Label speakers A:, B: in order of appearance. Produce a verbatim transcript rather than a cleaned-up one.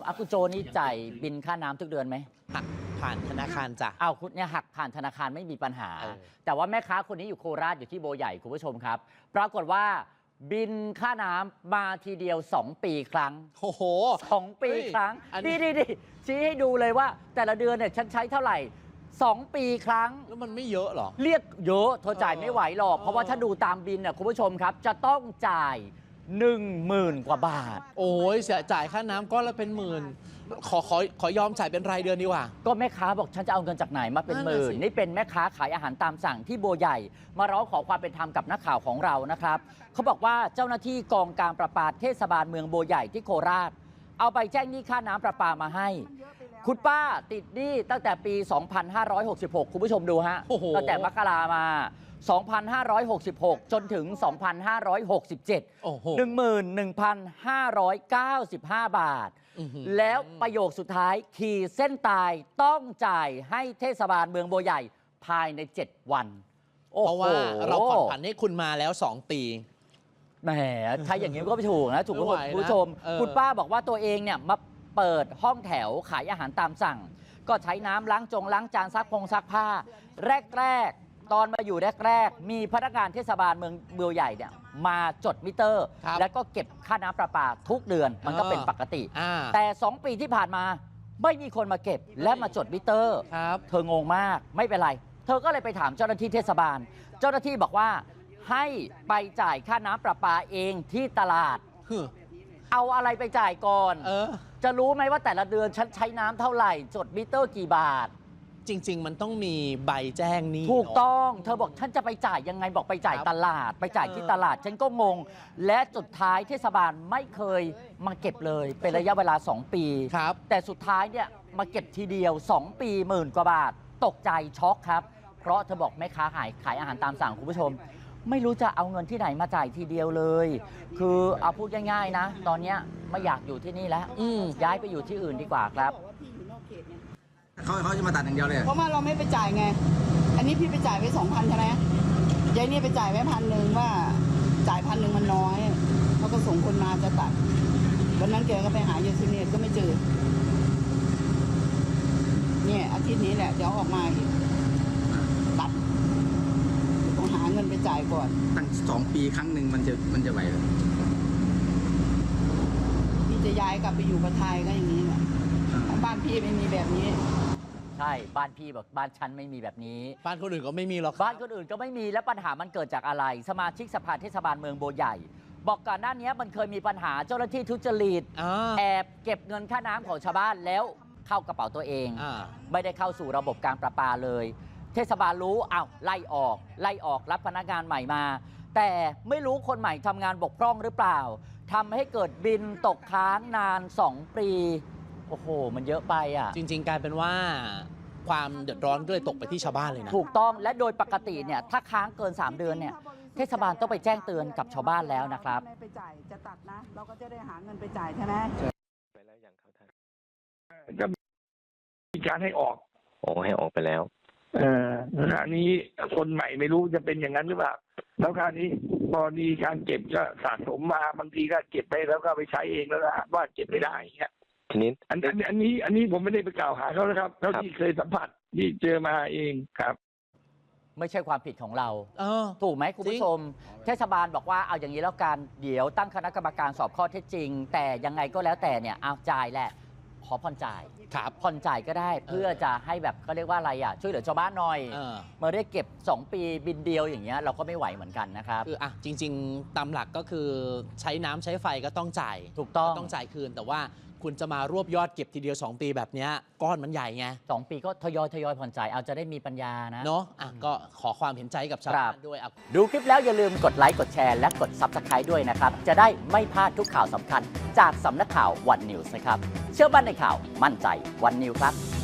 A: อากุโจนี่จ่ายบินค่าน้ำทุกเดือนไหม
B: หักผ่านธนาคารจ้ะ
A: เอาคุณเนี่ยหักผ่านธนาคารไม่มีปัญหา แต่ว่าแม่ค้าคนนี้อยู่โคราชอยู่ที่โบใหญ่คุณผู้ชมครับปรากฏว่าบินค่าน้ำมาทีเดียวสองปีครั้ง
B: โอ้โห
A: สองปีครั้งดีดีดีชี้ให้ดูเลยว่าแต่ละเดือนเนี่ยฉันใช้เท่าไหร่สองปีครั้ง
B: แล้วมันไม่เยอะหรอ
A: เรียกเยอะเธอจ่ายไม่ไหวหรอกเพราะว่าถ้าดูตามบินเนี่ยคุณผู้ชมครับจะต้องจ่ายหนึ่งหมื่นกว่าบาท
B: โอ้ยเสียจ่ายค่าน้ำก้อนละเป็นหมื่นขอขอขอยอมจ่ายเป็นรายเดือนดีกว่า
A: ก็แม่ค้าบอกฉันจะเอาเงินจากไหนมาเป็นหมื่นนี่เป็นแม่ค้าขายอาหารตามสั่งที่โบใหญ่มาร้องขอความเป็นธรรมกับนักข่าวของเรานะครับเขาบอกว่าเจ้าหน้าที่กองการประปาเทศบาลเมืองโบใหญ่ที่โคราชเอาไปแจ้งหนี้ค่าน้ำประปามาให้คุณป้าติดหนี้ตั้งแต่ปี สองพันห้าร้อยหกสิบหก คุณผู้ชมดูฮะตั้งแต่มกรามา สองพันห้าร้อยหกสิบหก จนถึง สองพันห้าร้อยหกสิบเจ็ด หนึ่งหมื่นหนึ่งพันห้าร้อยเก้าสิบห้า บาทแล้วประโยคสุดท้ายขีดเส้นตายต้องจ่ายให้เทศบาลเมืองโบใหญ่ภายในเจ็ดวัน
B: เพราะว่าเราผ่อนผันให้คุณมาแล้วสองปี
A: แหมถ้าอย่างนี้ก็ไม่ถูกนะถูกไหมคุณผู้ชมคุณป้าบอกว่าตัวเองเนี่ยมาเปิดห้องแถวขายอาหารตามสั่งก็ใช้น้ำล้างจงล้างจานซักพงซักผ้าแรกๆตอนมาอยู่แรกๆมีพนักงานเทศบาลเมืองโบใหญ่เนี่ยมาจดมิเตอร์แล้วก็เก็บค่าน้ำประปาทุกเดือนมันก็เป็นปกติแต่สองปีที่ผ่านมาไม่มีคนมาเก็บและมาจดมิเตอร์เธองงมากไม่เป็นไรเธอก็เลยไปถามเจ้าหน้าที่เทศบาลเจ้าหน้าที่บอกว่าให้ไปจ่ายค่าน้ำประปาเองที่ตลาดเอาอะไรไปจ่ายก่อนเออจะรู้ไหมว่าแต่ละเดือนฉันใช้น้ำเท่าไหร่จดมิเตอร์กี่บาท
B: จริงๆมันต้องมีใบแจ้งนี้
A: ถูกต้องเธอบอกฉันจะไปจ่ายยังไงบอกไปจ่ายตลาดไปจ่ายที่ตลาดฉันก็งงและสุดท้ายเทศบาลไม่เคยมาเก็บเลยเป็นระยะเวลาสองปี
B: ครับ
A: แต่สุดท้ายเนี่ยมาเก็บทีเดียวสองปีหมื่นกว่าบาทตกใจช็อกครับเพราะเธอบอกแม่ค้าขายขายอาหารตามสั่งคุณผู้ชมไม่รู้จะเอาเงินที่ไหนมาจ่ายทีเดียวเลยคือเอาพูดง่ายๆนะตอนนี้ไม่อยากอยู่ที่นี่แล้วย้ายไปอยู่ที่อื่นดีกว่าครับ
C: เขาเขาจะมาตัดอย่างเดียวเลย
D: เพราะว่าเราไม่ไปจ่ายไงอันนี้พี่ไปจ่ายไว้สองพันใช่ไหมยายนี่ไปจ่ายไว้พันหนึ่งว่าจ่ายพันหนึ่งมันน้อยเขาก็ส่งคนมาจะตัดวันนั้นแกก็ไปหายายซิเนตก็ไม่เจอเนี่ยอาทิตย์นี้แหละเดี๋ยวออกมาอีกตัดต้องหาเงินไปจ่ายก่อน
C: ตั้งสองปีครั้งหนึ่งมันจะมันจะไหวหรือ
D: พี่จะย้ายกลับไปอยู่กับไทยก็อย่างนี้แหละบ้านพี่ไม่มีแบบนี้
A: ใช่บ้านพี่บอกบ้านฉันไม่มีแบบนี้
B: บ้านคนอื่นก็ไม่มีหรอก
A: บ้านคนอื่นก็ไม่มีแล้วปัญหามันเกิดจากอะไรสมาชิกสภาเทศบาลเมืองโบใหญ่บอกก่อนหน้านี้มันเคยมีปัญหาเจ้าหน้าที่ทุจริตแอบเก็บเงินค่าน้ำของชาวบ้านแล้วเข้ากระเป๋าตัวเองไม่ได้เข้าสู่ระบบการประปาเลยเทศบาลรู้อ้าวไล่ออกไล่ออกรับพนักงานใหม่มาแต่ไม่รู้คนใหม่ทำงานบกพร่องหรือเปล่าทำให้เกิดบินตกค้างนานสองปีโอ้โหมันเยอะไปอ่ะ
B: จริงๆกลายเป็นว่าความเดือดร้อนก็เลยตกไปที่ชาวบ้านเลยนะ
A: ถูกต้องและโดยปกติเนี่ยถ้าค้างเกินสามเดือนเนี่ยเทศบาลต้องไปแจ้งเตือนกับชาวบ้านแล้วนะครับ
D: ไม่ไปจ่ายจะตัดนะเราก็จะได้หาเงินไปจ่ายใช่ไหม
E: ไปแล้วอย่างเขาท่านก็มีการให้ออกโอ้ให้ออกไปแล้วเออคราวนี้คนใหม่ไม่รู้จะเป็นอย่างนั้นหรือเปล่าแล้วคราวนี้พอมีการเก็บก็สะสมมาบางทีก็เก็บไปแล้วก็ไปใช้เองแล้วว่าเก็บไม่ได้เงี้ยทีนี้อันอันอันนี้อันนี้ผมไม่ได้ไปกล่าวหาเขานะครับเท่าที่เคยสัมผัสที่เจอมาเองครับ
A: ไม่ใช่ความผิดของเราถูกไหมคุณผู้ชมเทศบาลบอกว่าเอาอย่างนี้แล้วกันเดี๋ยวตั้งคณะกรรมการสอบข้อเท็จจริงแต่ยังไงก็แล้วแต่เนี่ยเอาจ่ายแหละขอผ่อนจ่าย
B: ครับ
A: ผ่อนจ่ายก็ได้เพื่อจะให้แบบเขาเรียกว่าอะไรอ่ะช่วยเหลือชาวบ้านหน่อยเมื่อได้เก็บสองปีบินเดียวอย่างเงี้ยเราก็ไม่ไหวเหมือนกันนะครับ
B: คืออ่ะจริงๆตามหลักก็คือใช้น้ำใช้ไฟก็ต้องจ่าย
A: ถูกต้อง
B: ต้องจ่ายคืนแต่ว่าคุณจะมารวบยอดเก็บทีเดียวสองปีแบบนี้ก้อนมันใหญ่ไง
A: สองปีก็ทยอยทยอยผ่อนจ่ายเอาจะได้มีปัญญานะ
B: เนาะอ่ะก็ขอความเห็นใจกับชาวบ้านด้วย
A: ดูคลิปแล้วอย่าลืมกดไลค์กดแชร์และกด ซับสไครบ์ ด้วยนะครับจะได้ไม่พลาดทุกข่าวสำคัญจากสำนักข่าววันนิวส์นะครับเชื่อมั่นในข่าวมั่นใจวันนิวส์ครับ